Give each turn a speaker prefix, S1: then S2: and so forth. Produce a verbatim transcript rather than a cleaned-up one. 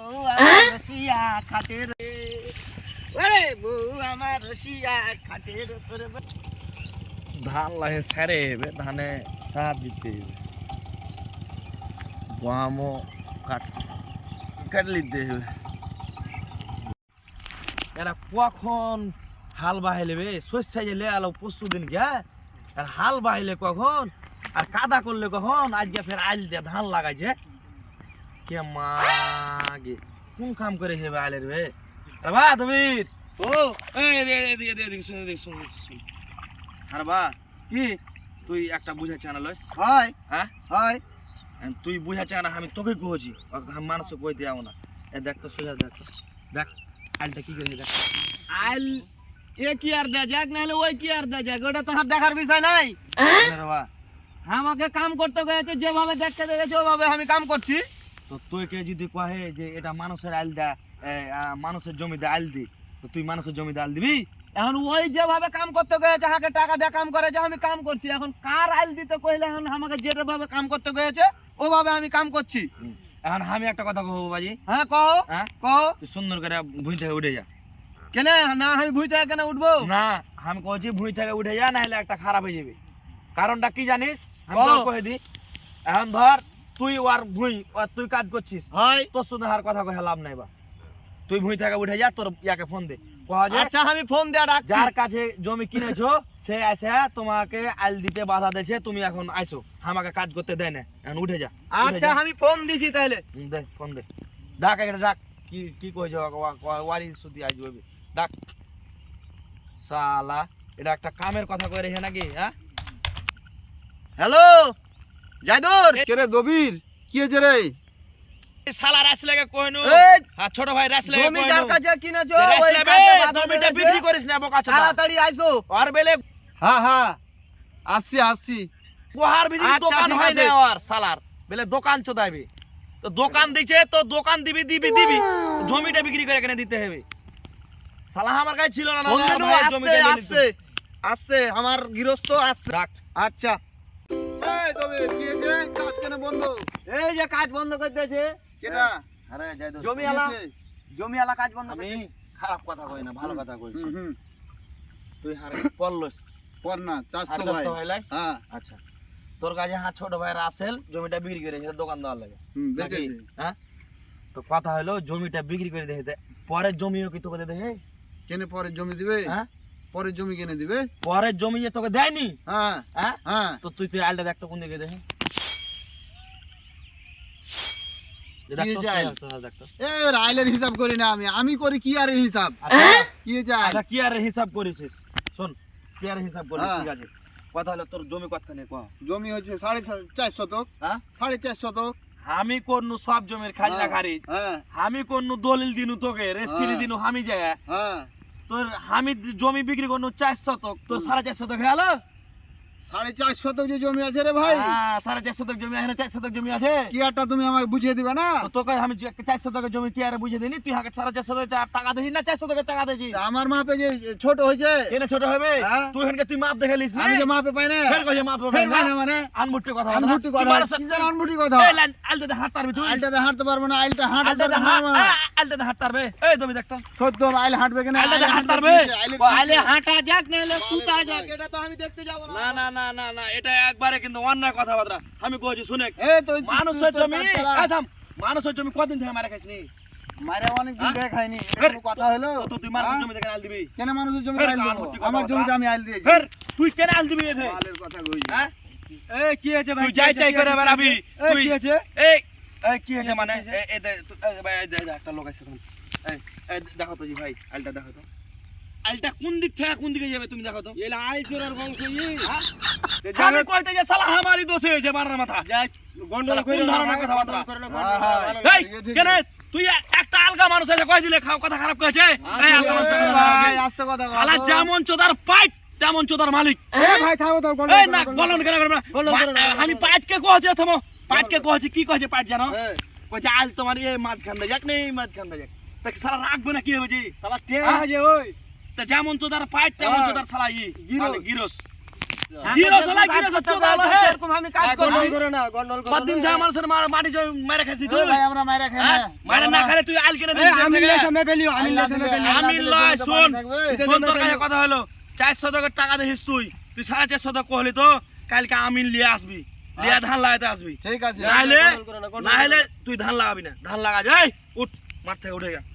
S1: রসিয়া খাটের ওরে বউ আমার রসিয়া খাটের উপরে
S2: ধান লাগে সারে হেবে ধানে সার দিতে হবে গমও কাট কাটে দিতে হবে এরা কখন হাল বাহাইলে বে শস্যা গেলে আলো পরশু দিন গিয়া আর হাল বাহাইলে কখন আর কাদা করলে কখন আজকে ফের আইল দিয়ে ধান লাগাইছে কে মাগে কোন কাম করে হেবে আইলের বে আরে বা তুমি ও এই দে দে দে দে দেখ শুন দেখ শুন শুন আরে বা কি তুই একটা বুঝা চ্যানেল লইস
S1: হয়
S2: হ্যাঁ
S1: হয়
S2: তুই বুঝা চানা আমি তোকে কইছি আমি মানুষকে কই দিও না এ দেখ তো সোজা দেখ দেখ আইলটা কি করে দেখ
S1: আইল এ কি আর দে যাক নাহলে ওই কি আর দে যাক ওটা তো হাত দেখার বিষয় নাই
S2: আরে বা
S1: আমাকে কাম করতে গেছে যেভাবে দেখতে গেছে ওভাবে আমি কাম করছি
S2: তো তুই কে যদি কহে যে এটা মানুষের আইল দা মানুষের জমিতে আইল দি তো তুই মানুষের জমিতে আইল দিবি
S1: এখন ওই যেভাবে কাম করতে গেছে হাকে টাকা দিয়ে কাম করে যে আমি কাম করছি এখন কার আইল দিতে কইলে এখন আমাকে যেটা ভাবে কাম করতে গেছে ওভাবে আমি কাম করছি
S2: এখন আমি একটা কথা কহবো বাজি
S1: হ্যাঁ কও
S2: হ্যাঁ
S1: কও
S2: তুই সুন্দর করে ভুঁই থেকে উঠে যা
S1: কেন না আমি ভুঁই থেকে কেন উঠবো
S2: না আমি কইছি ভুঁই থেকে উঠে যা না হলে একটা খারাপ হয়ে যাবে কারণটা কি জানিস আমি
S1: কও।
S2: তোকে কয়ে দি এখন ধর তুই আর ভুঁই আর তুই কাজ করছিস
S1: হয়
S2: তোর শুধু আর কথা কহে লাভ নাই বা তুই ভুঁই থেকে উঠে যা তোর ইয়াকে ফোন দে কয়া যে
S1: আচ্ছা আমি ফোন দিয়ে ডাকছি
S2: যার কাছে জমি কিনেছো সে এসে তোমাকে আইল দিতে বাধা দিয়েছে তুমি এখন আইছো আমাকে কাজ করতে দেয় না এখন উঠে যা উঠে
S1: আচ্ছা
S2: যা।
S1: আমি ফোন দিছি তাহলে
S2: হুম, দে ফোন দে ডাক একটা ডাক কি কি কইছো ওয়ারি সুদি আজ হইবে ডাক শালা এটা একটা কামের কথা কই রেখে নাকি হ্যাঁ
S1: হ্যালো জাদুর
S3: কেরে দবির কি হয়েছে রে
S2: এই শালা রাস লাগে কইনু
S1: এই
S2: আর ছোট ভাই রাস লাগে
S1: জমি যার কাছে কিনেছো
S2: রাস
S1: ওই
S2: লাগে
S1: কাজে বাধা
S2: জমিটা
S1: দিয়েছে।
S2: বিক্রি করিস না বোকা চোদা
S1: তাড়াতাড়ি আইসো
S2: আর বেলে
S3: হ্যাঁ হ্যাঁ আসছি আসছি
S2: গোহার ভিতরে
S1: আচ্ছা,
S2: দোকান
S1: ঠিক
S2: হয়
S1: আছে।
S2: না আর শালার বেলে দোকান চোদাইবে তো দোকান দিছে তো দোকান দিবি দিবি দিবি জমিটা বিক্রি করে কেন দিতে হবে শালা আমার কাছে ছিল না না
S1: বন্ধু
S2: ভাই
S1: আসছে
S2: জমিটা নিয়ে
S1: আসছে আসছে আমার গৃহস্থ আসছে
S2: রাখ
S1: আচ্ছা
S3: এই দবির কি হয়েছে রে কাজ কেন বন্ধ
S1: এই যে কাজ বন্ধ করে দিয়েছে
S3: কেটা
S2: আরে যাই দোস্ত
S1: জমি
S3: কি
S1: আলা
S3: হয়েছে?
S1: জমি আলা কাজ বন্ধ করে
S2: আমি
S1: দিয়েছে।
S2: খারাপ কথা কই না ভালো কথা কইছি
S3: হুম, হুম।
S2: তুই হারে পড়লস
S3: পর না চাষ
S2: আর
S3: তো
S2: দোস্ত
S3: ভাই
S2: ভাই লাই
S3: হ্যাঁ
S2: আচ্ছা তোর কাছে হ্যাঁ ছোট ভাই রাসেল জমিটা বিক্রি করে সেটা দোকান দেওয়ার লাগে
S3: হুম,
S2: নাকি?
S3: বেচেছে
S2: হ্যাঁ তো কথা হলো জমিটা বিক্রি করে দেখে পরের জমিও কি তোকে দেবে
S3: কেনে পরে জমি দিবে
S2: হ্যাঁ
S3: পরে জমি কেনে দিবে
S2: পরের জমি যে তোকে দেয়নি
S3: হ্যাঁ
S2: হ্যাঁ
S3: হ্যাঁ
S2: তো তুই তুই আলটা দেখতো কোন দিকে দেখে
S3: কি চাই? এ রাইলের হিসাব করি না আমি আমি করি কি আর হিসাব কি চাই
S2: আচ্ছা কি আর হিসাব করিস শোন কি আর হিসাব করিস
S3: হ্যাঁ।
S2: ঠিক আছে কথা হলো তোর জমি কতখানি কহ
S3: জমি হচ্ছে সাড়ে চা- চার শতক
S2: হ্যাঁ
S3: সাড়ে চার শতক
S2: আমি কোন সব জমির খাজনা
S3: হ্যাঁ,
S2: খারিজ
S3: হ্যাঁ
S2: আমি কোন দলিল দিনু তোকে রেস্ট্রি
S3: হ্যাঁ।
S2: দিনু আমি যায়
S3: হ্যাঁ
S2: তোর আমি জমি বিক্রি করনু চার শতক তোর সাড়ে চার শতক হয়ে গেল
S3: সাড়ে চার শতক যে জমি আছে রে ভাই
S2: হ্যাঁ সাড়ে চার শতক জমি এখানে চার শতক জমি আছে
S3: কি আরটা তুমি আমাকে বুঝিয়ে দিবে না
S2: তো তোকে আমি যে চার শতকের জমি কি আর বুঝে দিনি তুই হাকে সাড়ে চার শতক টাকা দিছিস না চার শতকের টাকা দিছিস
S3: তা আমার মাপে যে ছোট হয়েছে
S2: কেন ছোট হবে
S3: হ্যাঁ।
S2: তুই এখানকে তুই মাপ দেখে লিস না
S3: আমি যে মাপে পাই না
S2: ফের কইছে মাপ
S3: ফের পাই না মানে
S2: আনমুটি কথা
S3: আনমুটি কথা কি জান আনমুটি কথা
S2: এই লাইন আলতে হাত পারবি তুই
S3: আইলটাতে হাঁটতে পারবো না আইলটা হাঁটতে
S2: আলতে
S3: পারবো না আমার।
S2: আলতে হাত পারবে এই তুমি দেখতো
S3: সত্য আইল হাঁটবে কেন
S2: আইলটাতে
S3: আইল
S2: হাঁট
S3: হাঁটতে
S2: পারবে?
S3: দিয়েছে, আইলে
S1: আইলে
S3: দিয়েছে।
S1: হাঁটা যাক নাহলে কুটা যাক এটা তো আমি দেখতে যাব
S2: না না না না না এটা একবারে কিন্তু অন্যায় কথাবার্তা আমি কইছি শুনে
S3: এই তো
S2: মানুষের
S3: তুই তো
S2: জমি
S3: কাজ চালা।
S2: এই থাম মানুষের জমি কতদিন থেকে মারা খাইছিস নি
S3: মাইরা অনেক দিন
S2: হ্যাঁ?
S3: ধরে খাইনি এটা
S2: ফের-
S3: কোনো কথা হলো
S2: তো তুই মানুষের
S3: হ্যাঁ?
S2: জমি থেকে আল দিবি
S3: কেন মানুষের জমি
S2: ফের
S3: আইল দেবো?
S2: আনমুটি কথা
S3: আমার
S2: বলবা।
S3: জমিতে আমি আইল দিয়েছি
S2: ফের তুই কেন আল দিবি এতে
S3: মালের কথা কইছি
S2: হ্যাঁ
S1: এই কি হয়েছে ভাই
S2: তুই যাই তাই করে বেরাবি
S1: এই
S2: তুই
S1: কি হয়েছে
S2: এই এই কি হয়েছে মানে এই এই দে- তুই- এই ভাই এই দে- দে, একটা লোক আছে তখন এই এই দেখো তো জি ভাই আলটা দেখো তো আলটা কোন দিক থেকে কোন দিকে যাবে তুমি দেখো তো
S1: এলা আইসোরার বংশ ই
S2: হ্যাঁ? আমি কইতে যে সালা আমারই দোষ হয়েছে মারার মাথা
S1: যাক গন্ডল
S2: শালা
S1: কইরা
S2: কোন ধরনের কথাবার্তা?
S3: হ্যাঁ, হ্যাঁ,
S2: এই
S3: ঠিক আছে, ঠিক
S2: কেন
S3: আছে।
S2: তুই একটা আলগা মানুষ আছে কই দিলে খাও কথা খারাপ কইছে এই আলগা মানুষ
S3: এই ভাই আস্তে কথা কও।
S2: শালা যেমন চোদার পাইট তেমন চোদার মালিক
S1: এ ভাই থামো তো গন্ডল
S2: এই না বলন কেন করবে না
S1: বলন করো না,
S2: আমি পাইটকে কইছে থামো পাইটকে কইছে কি কইছে পাইট জানো
S1: হ্যাঁ
S2: কইছে আল তোমার এই মাছ খান্দা যাক নেই মাছ খান্দা যাক তা শালা রাখবে না কি হবে জি
S1: শালা টেয়া
S2: হ্যাঁ?
S1: আছে ওই
S2: তা যেমন চোদার পাইট তেমন
S1: হ্যাঁ।
S2: চোদার শালা ই
S1: গিরস।
S2: মানে গিরস জিরো চলা জিরো চোদা হলো হে
S1: এরকম আমি কাজ করছি
S2: কতদিন ধরে মানুষের মার- মাটি জমি মেরে খাইছিস
S3: ও
S2: তুই
S3: ভাই আমরা মাইরা খাই না
S2: হ্যাঁ? মারে না খাইলে তুই আইল কেনে দিছিস
S3: আল্লাহ
S2: আমি
S3: দিলে,
S2: আমি
S3: আল্লাহ
S2: লয়
S3: দিলে
S2: শোন
S3: থাকবে।
S2: শোন তোর কাছে কথা হলো চারশো টাকার টাকা দেখিস তুই তুই সাড়ে চারশো টাকা কহলি তো কালকে আমিন লিয়ে আসবি লিয়া ধান লাগাইতে আসবি
S3: ঠিক আছে
S2: নাহলে নাহলে তুই ধান লাগাবি না ধান লাগা যাই উঠ মাঠ থেকে উঠে গা